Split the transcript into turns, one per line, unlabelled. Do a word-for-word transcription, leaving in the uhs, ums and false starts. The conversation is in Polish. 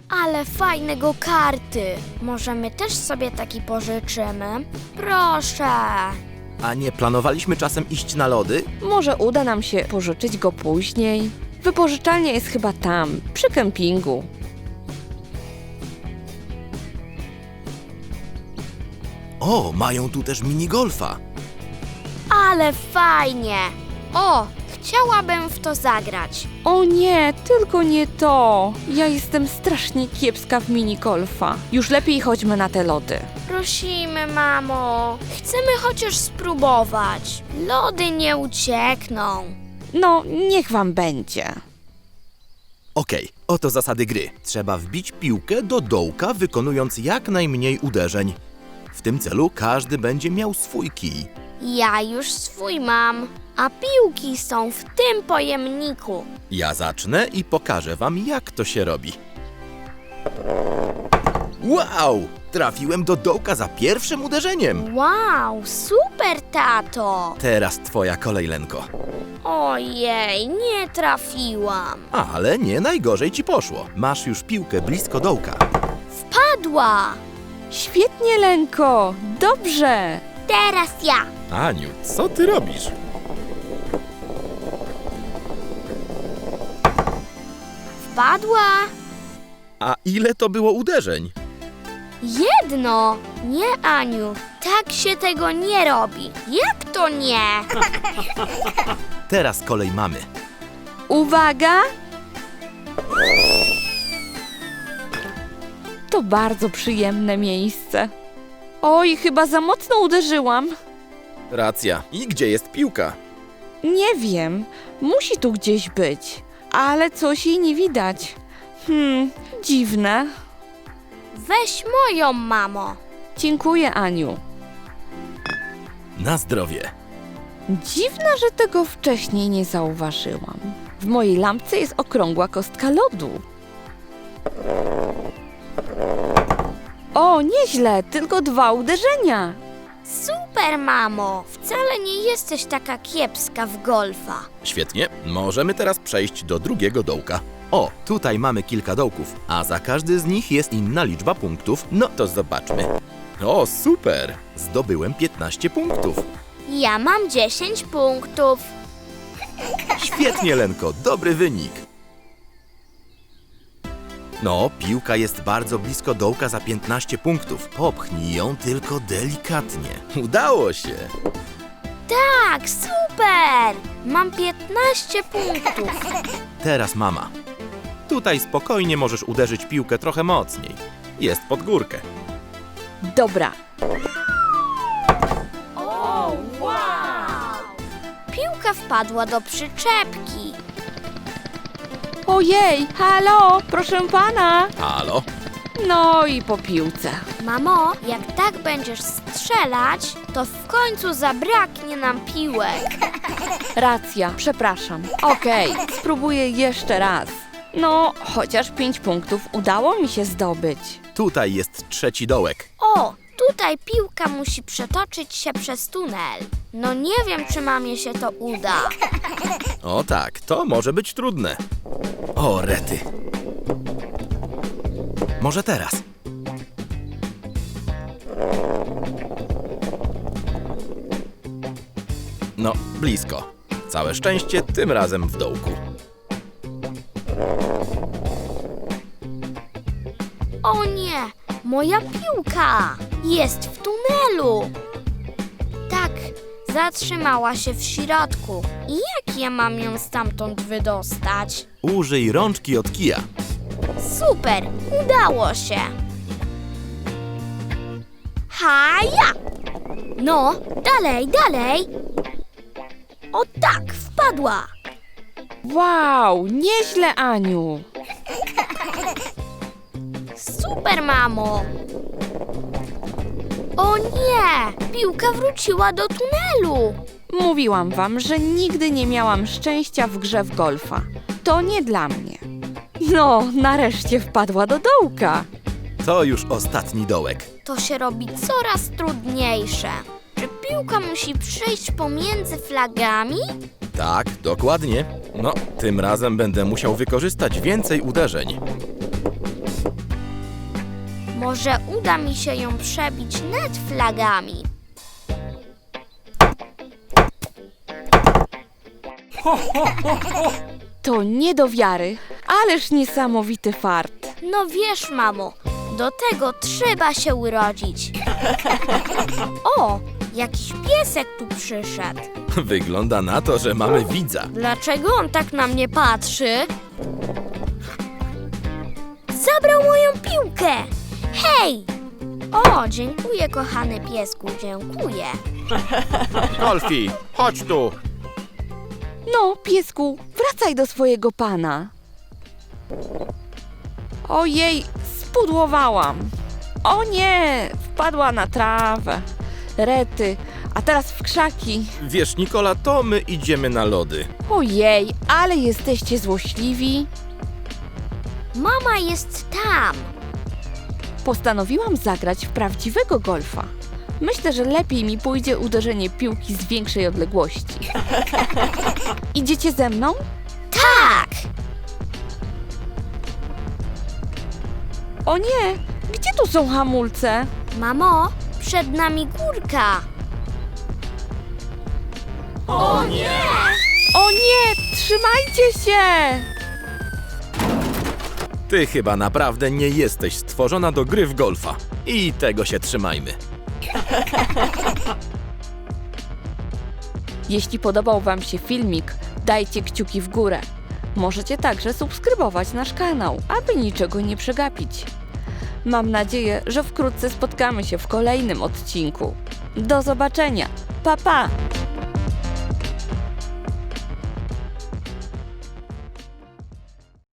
Ale fajne go-karty. Może my też sobie taki pożyczymy? Proszę.
A nie planowaliśmy czasem iść na lody?
Może uda nam się pożyczyć go później. Wypożyczalnia jest chyba tam, przy kempingu.
O, mają tu też minigolfa.
Ale fajnie. O, chciałabym w to zagrać.
O nie, tylko nie to. Ja jestem strasznie kiepska w minigolfa. Już lepiej chodźmy na te lody.
Prosimy, mamo. Chcemy chociaż spróbować. Lody nie uciekną.
No, niech wam będzie.
Okej, oto zasady gry. Trzeba wbić piłkę do dołka, wykonując jak najmniej uderzeń. W tym celu każdy będzie miał swój kij.
Ja już swój mam, a piłki są w tym pojemniku.
Ja zacznę i pokażę wam, jak to się robi. Wow! Trafiłem do dołka za pierwszym uderzeniem.
Wow, super, tato.
Teraz twoja kolej, Lenko.
Ojej, nie trafiłam.
Ale nie najgorzej ci poszło. Masz już piłkę blisko dołka.
Wpadła.
Świetnie, Lenko. Dobrze.
Teraz ja.
Aniu, co ty robisz?
Wpadła.
A ile to było uderzeń?
Jedno. Nie, Aniu, tak się tego nie robi. Jak to nie?
Teraz kolej mamy.
Uwaga! To bardzo przyjemne miejsce. Oj, chyba za mocno uderzyłam.
Racja. I gdzie jest piłka?
Nie wiem, musi tu gdzieś być, ale coś jej nie widać. Hmm, dziwne.
Weź moją, mamo.
Dziękuję, Aniu.
Na zdrowie.
Dziwne, że tego wcześniej nie zauważyłam. W mojej lampce jest okrągła kostka lodu. O, nieźle, tylko dwa uderzenia.
Super, mamo. Wcale nie jesteś taka kiepska w golfa.
Świetnie. Możemy teraz przejść do drugiego dołka. O, tutaj mamy kilka dołków, a za każdy z nich jest inna liczba punktów. No to zobaczmy. O, super! Zdobyłem piętnaście punktów.
Ja mam dziesięć punktów.
Świetnie, Lenko, dobry wynik. No, piłka jest bardzo blisko dołka za piętnaście punktów. Popchnij ją tylko delikatnie. Udało się!
Tak, super! Mam piętnaście punktów.
Teraz mama. Tutaj spokojnie możesz uderzyć piłkę trochę mocniej. Jest pod górkę.
Dobra,
O, wow! Piłka wpadła do przyczepki.
ojej, halo, proszę pana.
Halo?
No i po piłce.
Mamo, jak tak będziesz strzelać, to w końcu zabraknie nam piłek.
Racja, przepraszam. Okej, spróbuję jeszcze raz. No, chociaż pięć punktów udało mi się zdobyć.
Tutaj jest trzeci dołek.
O, tutaj piłka musi przetoczyć się przez tunel. No nie wiem, czy mamie się to uda.
O tak, to może być trudne. O, rety. Może teraz. No, blisko. Całe szczęście, tym razem w dołku.
O nie, moja piłka jest w tunelu. Tak, zatrzymała się w środku. I jak ja mam ją stamtąd wydostać?
Użyj rączki od kija.
Super, udało się. Haja! No, dalej, dalej. O tak, wpadła.
Wow, nieźle, Aniu.
Super, mamo. O nie, piłka wróciła do tunelu.
Mówiłam wam, że nigdy nie miałam szczęścia w grze w golfa. To nie dla mnie. No, nareszcie wpadła do dołka.
To już ostatni dołek.
To się robi coraz trudniejsze. Czy piłka musi przejść pomiędzy flagami?
Tak, dokładnie. No, tym razem będę musiał wykorzystać więcej uderzeń.
Może uda mi się ją przebić net flagami.
To nie do wiary, ależ niesamowity fart.
No wiesz, mamo, do tego trzeba się urodzić. O, jakiś piesek tu przyszedł.
Wygląda na to, że mamy widza.
Dlaczego on tak na mnie patrzy? Zabrał moją piłkę! Hej! O, dziękuję, kochany piesku, dziękuję.
Golfi, chodź tu.
No, piesku, wracaj do swojego pana. Ojej, spudłowałam. O nie, wpadła na trawę. Rety, a teraz w krzaki.
Wiesz, Nikola, to my idziemy na lody.
Ojej, ale jesteście złośliwi.
Mama jest tam.
Postanowiłam zagrać w prawdziwego golfa. Myślę, że lepiej mi pójdzie uderzenie piłki z większej odległości. Idziecie ze mną?
Tak!
O nie, gdzie tu są hamulce?
Mamo, przed nami górka. O nie!
O nie, trzymajcie się!
Ty chyba naprawdę nie jesteś stworzona do gry w golfa. I tego się trzymajmy.
Jeśli podobał Wam się filmik, dajcie kciuki w górę. Możecie także subskrybować nasz kanał, aby niczego nie przegapić. Mam nadzieję, że wkrótce spotkamy się w kolejnym odcinku. Do zobaczenia. Pa, pa!